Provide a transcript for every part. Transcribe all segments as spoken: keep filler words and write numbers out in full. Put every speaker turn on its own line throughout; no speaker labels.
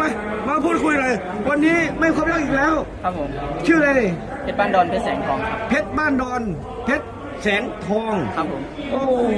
มาพูดคุยเลยวันนี้ไม่ครบแล้วอีกแล้ว
ครับผม
ชื่ออะไร
เพชรบ้านดอนเพชรแสงทองครับ
เพชรบ้านดอนเพชรแสงทอง
ครับผม
โอ้โห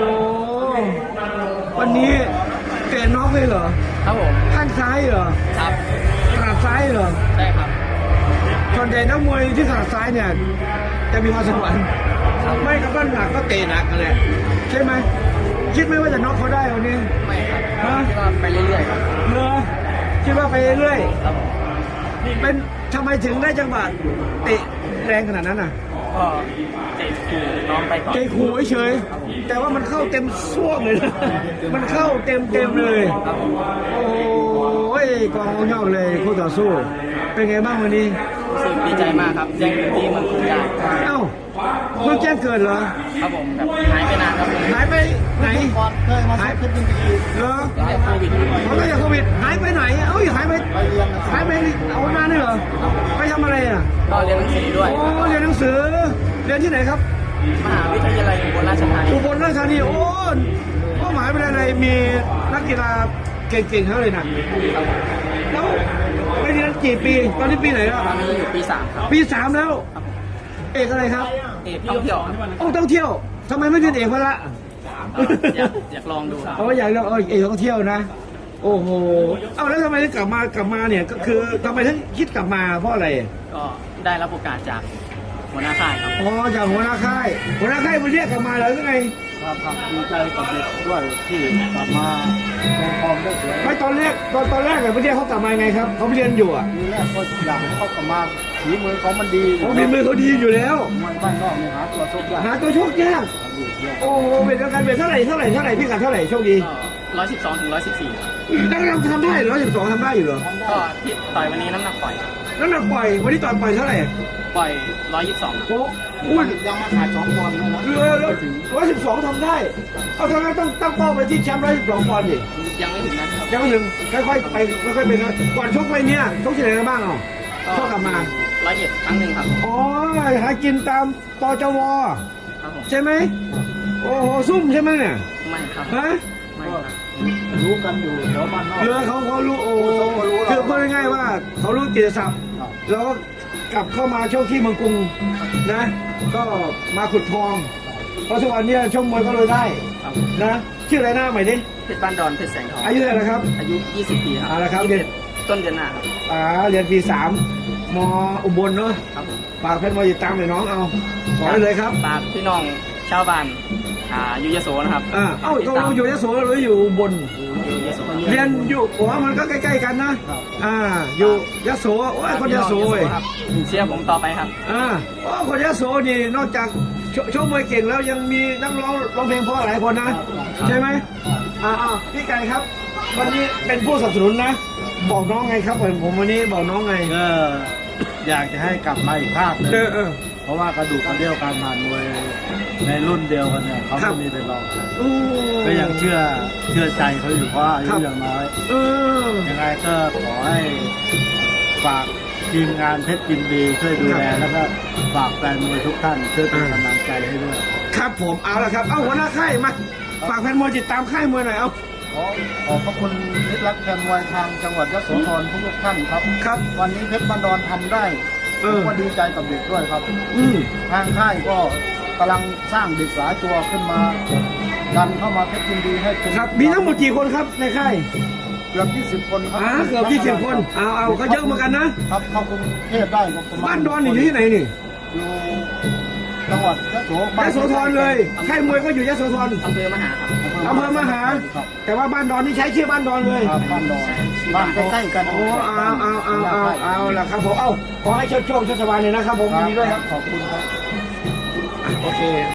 วันนี้เตะน็อกเลยเหรอ
ครับผม
ข้างซ้ายเหรอ
ครับ
ขาซ้ายเหรอ
ได้ครับ
ส่วนใหญ่นักมวยที่ขาซ้ายเนี่ยจะมีความสวรรค์ไม่กับบ้านหนักก็เตะหนักกันแหละใช่ไหมคิดไหมว่าจะน็อกเขาได้วันนี้
ไม่ครับ
ฮะ
คิดว่าไปเรื่อยๆครับ
เหรอคิดว่าไปเรื่อย
ครับผม
ๆเป็นทำไมถึงได้จังหวะเตะแรงขนาดนั้นอ่ะ
ก็เตะขู่น้องไปก่อน
เตะขู่เฉยๆแต่ว่ามันเข้าเต็มซ่วงเลยนะมันเข้าเต็มเต็มๆเลย
ครับผม
โอ้ยกองยอกเลยคู่ต่อสู้ เป็นไงบ้างวันนี้
รู้สึกดีใจมากครับแจ้งเกิดที่เมืองกรุงได้
เอ้าเพิ่งแจ้งเกิดเหรอ
ครับผมแบบหายไปนานครับผม
หายไปไหน
ก่อนเคยมาสักขึ้นดี
เหรอ
หายโควิด
เขาตั้งแต่โควิดหายไปไหนเอ้ยหายไปหายไปเอานานเลยเหรอไปทำอะไรอ่ะ
ก็เรียนหนังสือด้วย
โอ้เรียนหนังสือเรียนที่ไหนครับ
มหาวิทยาลัยอุบลราชธานี
อุบลราชธานีโอ้เป้าหมายเป็นอะไรมีนักกีฬาเก่งๆทั้งเลยนะแล้วไปเรียนกี่ปีตอนนี้ปีไหนแล้ว
ตอนนี้อยู่ปีสามครับ
ปีสามแล้ว เอกอะไรครับ
เอกท่องเที่ยวครับ
โอ้ต้องเที่ยวทำไมไม่เรียนเอกพละ
ก็อยากอยากลองดูครับ
เอาอยากเรียนเออเอกต้องเที่ยวนะ โอ้โหเอาแล้วทำไมถึงกลับมากลับมาเนี่ยก็คือทำไมถึงคิดกลับมาเพราะอะไร
ก็ได้รับโอกาสจากหัวหน้าค่ายครับ
อ๋อจากหัวหน้าค่ายหัวหน้าค่ายมาเรียกกลับมาเหรอหรือไง
ครับครับดีใจกับเด็กด้วยที่กลับมาลงฟอร์มได้สวย
ไม่ตอนแรกตอนตอนแรกเนี่ยไปเรียกเขากลับมาไงครับเขาไปเรียนอยู่อ่ะ
ทีแรกก็อยากให้เขากลับมาฝีมือเขามันดี
เขาฝีมือเขาดีอยู่แล้ว
มวยบ้านนอกเนี่ยหาตัวชกยาก
หาตัวโชคยากโอ้โหเป็นการเป็นเท่าไหร่เท่าไหร่เท่าไหร่พี่กัดเท่าไหร่โชคดี
ก็ร้อยสิบสองถึงร้อยสิบสี่
นักเราทำได้ร้อยสิบสองทำได้อยู่เหรอ
ก็ที่ต่อยวันนี้น้ำหนักปล่อยครับ
น้ำหนักปล่อยวันนี้ต่อยปล่อยเท่าไหร่
ปล่อยร้อยยี่สิบสอง
โอ้อุ้ย
ยังมาขาดสองปอนด์นะ
เรือร้อยสิบสองทำได้เอาทำไมต้องตั้งเป้าไปที่แชมป์ร้อยสิบสองปอนด์ดิ
ยังไม่ถึงนะครับ
ยังไม่ถึงค่อยๆไปค่อยๆไปนะก่อนชกไปเนี่ยชกที่ไหนกันบ้างอ่ะชกกลับมา
ร้อยเอ็ดครั้งหนึ่งครับ
อ๋อหากินตามตจว
ครับผม
ใช่ไหมโอ้โหซุ่มใช่ไหมเนี่ย
ไม่ครับ
ฮะ
ไม่ครับ
รู้กันอยู่แถวบ้านนอก
เรือเขาเขารู้โอ้คือพูดง่ายๆว่าเขารู้กิตติศัพท์แล้วก็กลับเข้ามาช่วงที่เมืองกรุงนะ ก็มาขุดทอง เพราะทุกวันเนี้ช่วงมวยก็เลยได้
ครับ
นะชื่ออะไรหน้าใหม่ดิ
เพชรบ้านดอนเพชรแสงทอง
อายุเท่าไหร่แล้วครับ
อายุยี่สิบปีครับ
เอาละครับ
ยี่สิบเอ็ดต้นเดือนหน้าครับ
อ่าเรียนปีสามมอุบลเนาะ
ครับผม
ฝากเพชรมาติดตามหน่อยน้องเอาขอได้เลยครับ
ฝากพี่น้องชาวบ้านอ่าอยู่ยโสนะครับ
อ่าเอ้า
ติด
ตก
ตา
ล
ม
งอยู่ยโสหรืออยู่อุบล
อยู่ยโส
เรียนอยู่ผมว่ามันก็ใกล้ๆกันนะ อ่า อยู่ยโสโอ้ยคนยโสเว้ย
ครับเชียร์ผมต่อไปครับ
อ่าโอ้คนยโสนี่นอกจากโชโชว์มวยเก่งแล้วยังมีนักร้องร้องเพลงเพราะหลายคนนะ ใช่ไหมอ่าอ่าพี่ไก่ครับ วันนี้เป็นผู้สนับสนุนนะ บอกน้องไงครับผมผมวันนี้บอกน้องไง
ก็อยากจะให้กลับมาอีกภาคหนึง
เออเออ
เพราะว่ากระดูกกระเดี่ยวการผ่านมวยในรุ่นเดียวกันเนี่ยเขา
ครั
ไม่
บ
มีเป็นรองใคร
โอ้
ก็ยังเชื่อเชื่อใจเขาอยู่เพราะอายุยังน้อย
เออ
ยังไงก็ขอให้ฝากทีมงานเพชรยินดีช่วยดูแล
ครับ
แล้วก็ฝากแฟนมวยทุกท่านช่วยเป็นกำลังใจให้ด้วย
ครับผมเอาละครับ เอาหัวหน้าค่ายมาฝากแฟนมวยติดตามค่ายมวยหน่อยเอา
ขอขอบพระคุณมิตรรักแฟนมวยทางจังหวัดยโสธรทุกท่านครับ
ครับ
วันนี้เพชรบันดอนทำได้
เอ
ผ
อ
มก็ดีใจกับเด็กด้วยครับ
อืม
ทางค่ายก็กำลังสร้างเด็กหลายตัวขึ้นมาดันเข้ามาเพชรยินดีให้เป็น
ครับมีทั้งหมดกี่คนครับในค่าย
เกือบยี่สิบคนครั
อ่าเกือบยี่สิบคนเอาเอาก็เยอะเหมือนกันนะครับ
เข้ากรุงเทพได้ก็ประมาณ
บ้านดอนนี่อยู่ที่ไหนนี่
อยู่จังหวัดยโส
ยโสธรเลยค่ายมวยก็อยู่ยโสธร
อำเภอมหาครับ
อำเภอมหา
ครับ
แต่ว่าบ้านดอนนี่ใช้ชื่อบ้านดอนเลย
ครับบ้านดอนบ้านใกล้ๆกัน
โอ้เอาเอาเอาเอาเอาละครับผมเอาขอให้โชคโชคโชคสบายเลยนะครับผมยินดีด้วยครับ
ขอบคุณครับ
โอเค